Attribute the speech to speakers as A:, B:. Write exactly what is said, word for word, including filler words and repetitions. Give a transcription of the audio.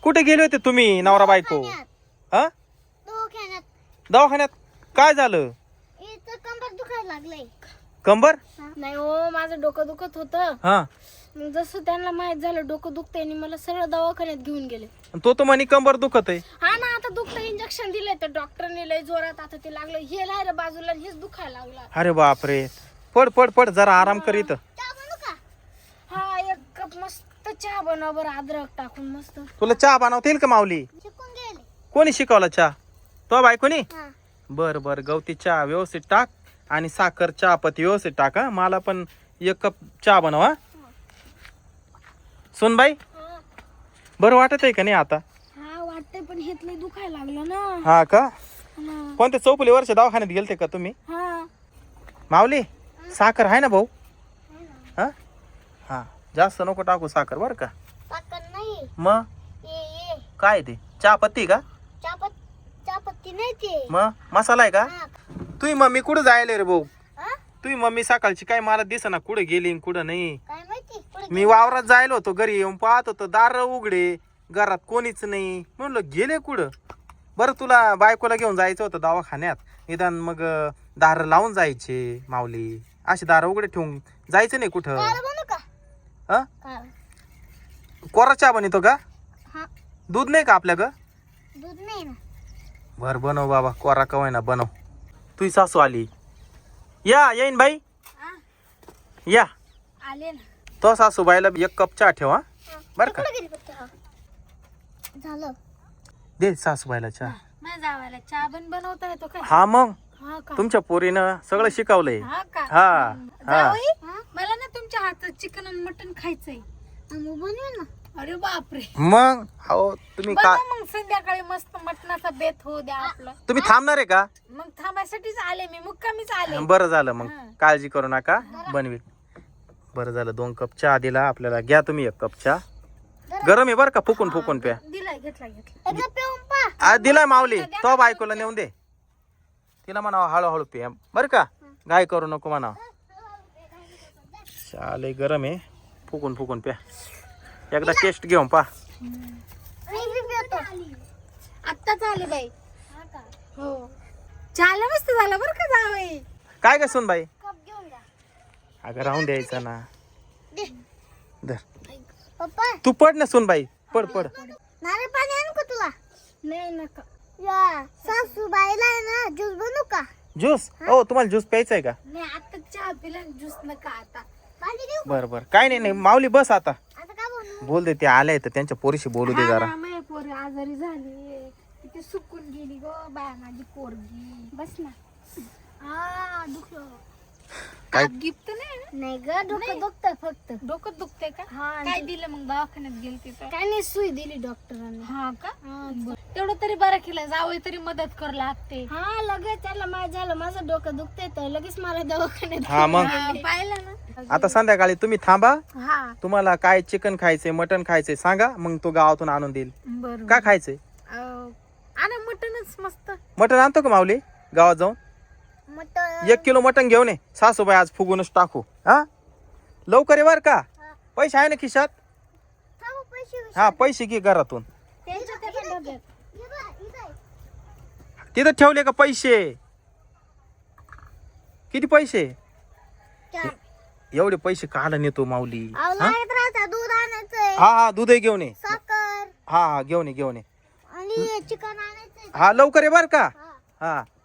A: कुठे गेले होते तुम्ही नवरा बायको? हा
B: दवाखान्यात.
A: दवाखान्यात काय झालं?
B: इथं कंबर दुखायला लागलंय.
A: कंबर?
B: नाही हो, माझं डोकं दुखत होतं.
A: हा
B: मग जसं त्यांना माहित झालं डोकं दुखतंय आणि मला सरळ दवाखान्यात घेऊन गेले.
A: तो तर म्हणे कंबर दुखत आहे.
B: हा ना, आता दुखतं इंजेक्शन दिले तर डॉक्टरने लय जोरात आता ते लागलं. हे लाय रे बाजूला आणि हेच दुखायला लागला.
A: अरे बापरे, पड पड पड जरा आराम कर इथं.
B: चहा बनवू का? हा, एक कप मस्त चहा बनव बरं, अद्रक टाकून मस्त.
A: तुला चहा बनवता येईल का माऊली?
B: शिकून गेले.
A: कोणी शिकवला चहा? तो बायकोनी?
B: हा.
A: बर बर, गवती चहा व्यवस्थित टाक आणि साखर चहापत्ती व्यवस्थित टाक. हा, मला पण एक कप चहा बनव. हा सुनबाई,
B: हा.
A: बरं वाटत आहे का नाही आता?
B: हा वाटतंय, पण हेत लय दुखायला लागलं ना.
A: हा का?
B: हा.
A: कोणत्या चौपली वर्ष दवाखान्यात गेलते का तुम्ही?
B: हा.
A: माऊली, साखर आहे ना भाऊ? हा हा, जास्त नको टाकू साखर बर का.
B: साखर नाही.
A: मग
B: ये ये
A: काय ते चहापत्ती का?
B: चापत चापत्ती नाही ते.
A: मग मसाला आहे का?
B: हा.
A: तुझी मम्मी कुठं जायला रे भाऊ?
B: हा?
A: तुझी मम्मी सकाळची काय मला दिसेना, कुठे गेली न कुठं नाही.
B: काय माहिती पुढे
A: मी वावरात जायला होतो, घरी येऊन पाहत होतो दार उघडे, घरात कोणीच नाही. म्हणलं गेले कुठं. बरं, तुला बायकोला घेऊन जायचं होतं दवाखान्यात, निदान मग दार लावून जायचे माऊली. अशी दार उघडे ठेवून जायचं नाही कुठं.
B: काळं बनवू का?
A: हा,
B: काळं.
A: कोरा चहा बनवतो का?
B: हा.
A: दूध नाही का आपल्या ग?
B: दूध नाही ना.
A: बर बनव बाबा, कोरा कवाय ना बनव. तुझी सासू आली. या येईन बाई,
B: हा.
A: या.
B: आले ना.
A: तो सासूबाईला एक कप चहा ठेवा बर का.
B: कुठे गेली फक्त? हा. झालं.
A: दे सासूबाईला चहा.
B: माझ्या जावायला चहा पण बनवता येतो काय?
A: हा मग
B: हा का?
A: तुमच्या पोरीनं सगळं शिकवलंय.
B: हा का?
A: हा हा.
B: जावई, मला ना तुमच्या हातात चिकन आणि मटन खायचंय. बनवेल ना. अरे बापरे.
A: मग हो तुम्ही का
B: मग संध्याकाळी मस्त मटणाचा बेत होऊ द्या आपलं.
A: तुम्ही थांबणार आहे का?
B: मग थांबायसाठीच आले मी, मुक्कामीच आले.
A: बरं झालं मग,
B: हा.
A: काळजी करू नका, बनवी. बरं झालं, दोन कप चहा दिला आपल्याला. घ्या तुम्ही एक कप चहा. गरम आहे बरं का, फुकून फुकून प्या.
B: दिलाय, घेतला घेतला. एकदा पिऊन पहा.
A: आ, दिलाय माऊली. तो बायकोला नेऊन दे, तिला म्हणावं हळूहळू पे बरं का, गाय करू नको म्हणावं. चहा लय गरम आहे, फुकून फुकून प्या. एकदा टेस्ट घेऊन पा.
B: आत्ताच आले बाई. हो, चहाला मस्त झालं बरं का जावई.
A: काय काय सुन बाई?
B: कप घेऊन जा.
A: अगं राहून द्यायचं ना. धर,
B: पप्पा,
A: तू पड ना सुन बाई, पड पड.
B: नारळ पाणी आणू का तुला? नाही नका. या सासूबाईला ना ज्यूस बनवू का?
A: ज्यूस? हो, तुम्हाला ज्यूस प्यायचा आहे का?
B: नाही, आता चहा पिला, ज्यूस नका आता. पाणी देऊ?
A: बरं बरं, काय नाही नाही माऊली, बस आता.
B: आता का बनवू?
A: बोल दे, ते आले तर त्यांच्या पोरीशी बोलू दे जरा.
B: माझी पोरी आजारी झाली, तिथे सुकून गेली ग बाय माझी पोरगी. बस ना. हा, दुखलं.
A: काय?
B: गिफ्ट नाही नाही ग, डोकं दुखतंय फक्त. डोकं दुखतंय का? काय दिलं मग दवाखान्यात गेली तिथं? काय नाही, सुई दिली डॉक्टरांनी. हा का? तेवढं तरी बरं केलं, जावई तरी मदत कर लागते. हा, लगेच त्याला माहित झालं माझं डोकं दुखतंय तर लगेच मला दवाखान्यात.
A: हा मग
B: पाहिलं ना.
A: आता संध्याकाळी तुम्ही थांबा.
B: हा,
A: तुम्हाला काय चिकन खायचंय, मटन खायचंय सांगा, मग तो गावातून आणून देईल.
B: बरोबर.
A: काय खायचंय?
B: आणा मटनच मस्त.
A: मटन आणतो का माऊली गावात जाऊन?
B: मटन
A: एक किलो मटन घेऊन ये. सासूबाई आज फुगूनच टाकू. हा, लवकर ये बर का. पैसे आहे ना खिशात? हा, पैसे घे घरातून. तिथं ठेवले का पैसे? किती पैसे? एवढे पैसे काढा नेतो माऊली. हा
B: दूध आणायचंय,
A: हा हा, दूधही घेऊन ये.
B: साखर
A: हा हा, घेऊन ये घेऊन ये.
B: आणि चिकन आणायचंय.
A: हा, लवकर ये बर का. हा,